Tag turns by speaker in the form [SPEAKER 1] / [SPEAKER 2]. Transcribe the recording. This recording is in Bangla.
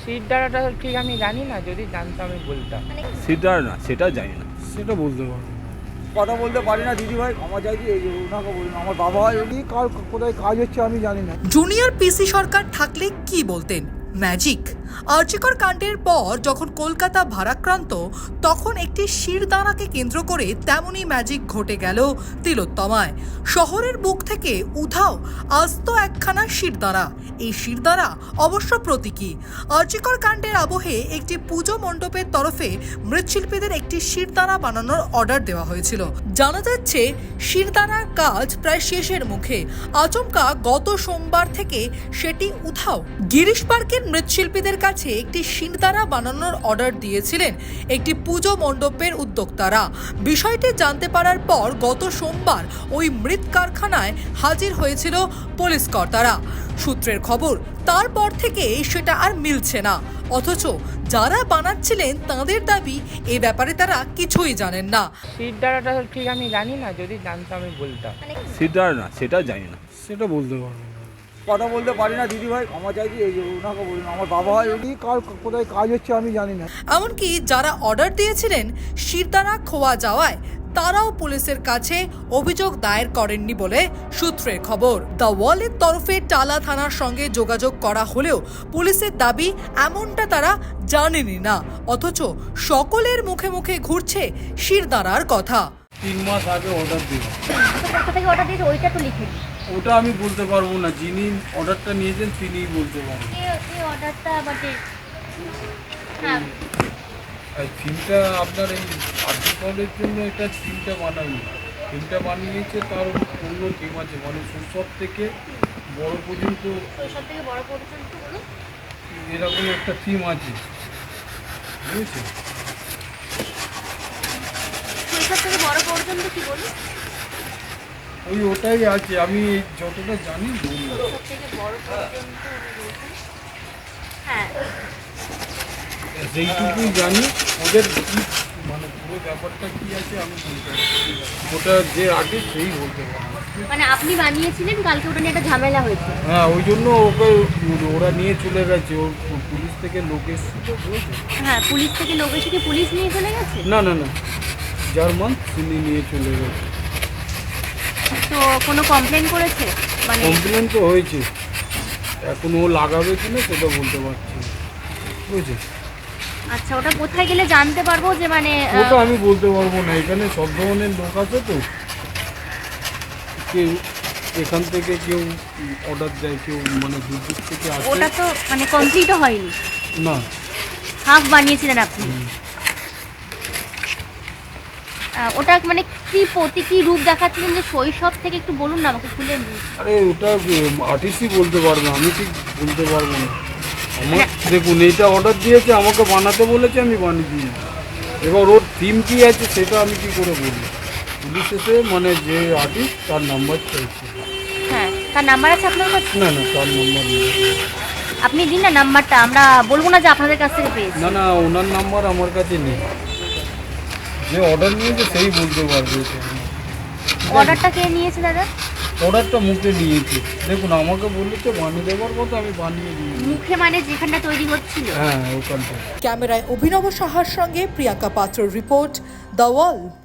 [SPEAKER 1] সিট দ্বারাটা ঠিক আমি জানি না, যদি জানতাম আমি বলতাম।
[SPEAKER 2] সেটা না, সেটা জানি না,
[SPEAKER 3] সেটা বলতে পারবো না।
[SPEAKER 4] কথা বলতে পারি না দিদি ভাই, ক্ষমা চাইছি। এই যে ওনাকে বলুন, আমার বাবা হয় উনি কার কোথায় কাজ হচ্ছে আমি জানি না।
[SPEAKER 5] জুনিয়র পিসি সরকার থাকলে কি বলতেন? ম্যাজিক। আর্যিকর কাণ্ডের পর যখন কলকাতা ভারাক্রান্ত, তখন একটি শিরদাঁড়াকে কেন্দ্র করে তেমনই ম্যাজিক ঘটে গেল তিলোত্তমায়। শহরের বুক থেকে উধাও আস্ত একখানা শিরদাঁড়া। এই শিরদাঁড়া অবশ্য প্রতীকী। আর্যিকর কাণ্ডের আবহে একটি পুজো মণ্ডপের তরফে মৃৎশিল্পীদের একটি শিরদাঁড়া বানানোর অর্ডার দেওয়া হয়েছিল। জানা যাচ্ছে শিরদাঁড়ার কাজ প্রায় শেষের মুখে। আচমকা গত সোমবার থেকে সেটি উধাও। গিরিশ পার্কের মৃৎশিল্পীদের কাছে একটি শিরদাঁড়া বানানোর অর্ডার দিয়েছিলেন একটি পুজো মণ্ডপের উদ্যোক্তারা। বিষয়টি জানতে পারার পর গত সোমবার ওই মৃৎ কারখানায় হাজির হয়েছিল পুলিশ কর্তারা। সূত্রের খবর, তারপর থেকে সেটা আর মিলছে না। অথচ যারা বানাচ্ছিলেন তাদের দাবি এ ব্যাপারে তারা কিছুই জানেন না।
[SPEAKER 1] সিট দ্বারাটা ঠিক আমি জানি না, যদি জানতাম আমি বলতাম।
[SPEAKER 2] সেটা না, সেটা জানি না।
[SPEAKER 3] সেটা বলতে পারবো না।
[SPEAKER 4] কথা বলতে পারি না দিদি ভাই, ক্ষমা চাইছি। এই যে ওনাকে বলুন, আমার বাবা হয় উনি কার কোথায় কাজ হচ্ছে আমি জানি না।
[SPEAKER 5] এমনকি যারা অর্ডার দিয়েছিলেন শিরদাঁড়া খোয়া যাওয়ায় তারাও পুলিশের কাছে অভিযোগ দায়ের করেননি বলে সূত্রের খবর। দ্য ওয়ালের তরফে টালা থানার সঙ্গে যোগাযোগ করা হলেও পুলিশের দাবি এমনটা তারা জানেনই না। অথচ সকলের মুখে মুখে ঘুরছে শিরদাঁড়ার কথা।
[SPEAKER 3] 3 মাস আগে অর্ডার দিল,
[SPEAKER 6] কোথা থেকে অর্ডার দিয়েছে ওইটা তো লিখে দিন।
[SPEAKER 3] ওটা আমি বলতে পারবো না। যিনি অর্ডারটা নিয়েছেন তিনিই বলতে পারবেন।
[SPEAKER 6] এই অর্ডারটা বাটে হ্যাঁ
[SPEAKER 3] আর থিমটা আপনার এই আর্টিকলের জন্য এটা থিমটা বানায়নি। থিমটা বানিয়েছে তার অন্য থিম আছে, মানে শৈশব থেকে বড় পর্যন্ত
[SPEAKER 6] সব থেকে বড় পর্যন্ত বলুন।
[SPEAKER 3] এরকম একটা থিম আছে, বুঝেছেন?
[SPEAKER 6] সব থেকে বড় পর্যন্ত কি বলুন?
[SPEAKER 3] ওটাই আছে, আমি যতটা জানি বলবো।
[SPEAKER 6] সব থেকে বড় পর্যন্ত উনি বলছেন। হ্যাঁ
[SPEAKER 3] যেইটুকুই জানি ওদের কি মানে পুরো ব্যাপারটা কি আছে আমি বলতে পারছি না। ওটা যে আগে সেই বলতে পারবো।
[SPEAKER 6] মানে আপনি বানিয়েছিলেন, কালকে ওটা নিয়ে একটা ঝামেলা হয়েছে।
[SPEAKER 3] হ্যাঁ, ওই জন্য ওরা নিয়ে চলে গেছে। পুলিশ থেকে লোক এসেছিল, বুঝেছেন?
[SPEAKER 6] হ্যাঁ পুলিশ থেকে লোক এসে কি পুলিশ নিয়ে চলে গেছে?
[SPEAKER 3] না না না, জার্মান তিনি নিয়ে চলে গেছে।
[SPEAKER 6] তো কোনো কমপ্লেন করেছে? মানে
[SPEAKER 3] কমপ্লেন তো হয়েছে, এখন ও লাগাবে কিনা সেটা বলতে পারছি না, বুঝেছেন?
[SPEAKER 6] আচ্ছা, ওটা কোথায় গেলে জানতে পারবো যে মানে
[SPEAKER 3] ওটা আমি বলতে পারবো না। এখানে সব ধরনের লোক আছে, তো কেউ এখান থেকে কেউ অর্ডার দেয়, কেউ মানে দূর দূর থেকে আসে।
[SPEAKER 6] ওটা তো মানে কমপ্লিটও হয়নি,
[SPEAKER 3] না,
[SPEAKER 6] হাফ বানিয়েছিলেন আপনি। ওটা মানে কি রূপ দেখাচ্ছিলেন যে শৈশব থেকে, একটু বলুন না আমাকে খুলে।
[SPEAKER 3] আরে ওটা আর্টিস্টই বলতে পারবে, আমি ঠিক বলতে পারবো না। আমার দেখুন, এইটা অর্ডার দিয়েছে, আমাকে বানাতে বলেছে, আমি বানিয়ে দিই। এবার ওর থিম কী আছে সেটা আমি কি করে বলি? পুলিশ এসে মানে যে আর্টিস্ট তার নাম্বার চাইছে।
[SPEAKER 6] হ্যাঁ, তার নাম্বার আছে আপনার কাছে?
[SPEAKER 3] না না, তার নাম্বার নেই।
[SPEAKER 6] আপনি দিন না নাম্বারটা, আমরা বলবো না যে আপনাদের কাছ থেকে পেয়েছি।
[SPEAKER 3] না না, ওনার নাম্বার আমার কাছে নেই। যে অর্ডার নিয়েছে সেই বলতে পারবে।
[SPEAKER 6] অর্ডারটা কে নিয়েছে দাদা?
[SPEAKER 3] অর্ডারটা মুখে নিয়েছে, দেখুন আমাকে বলেছে বানিয়ে দেওয়ার মতো, আমি বানিয়ে দিয়েছি।
[SPEAKER 6] মুখে মানে যেখানটা তৈরি হচ্ছিল?
[SPEAKER 3] হ্যাঁ, ওখানটা।
[SPEAKER 5] ক্যামেরায় অভিনব সাহার সঙ্গে প্রিয়াঙ্কা পাত্রর রিপোর্ট, দ্য ওয়াল।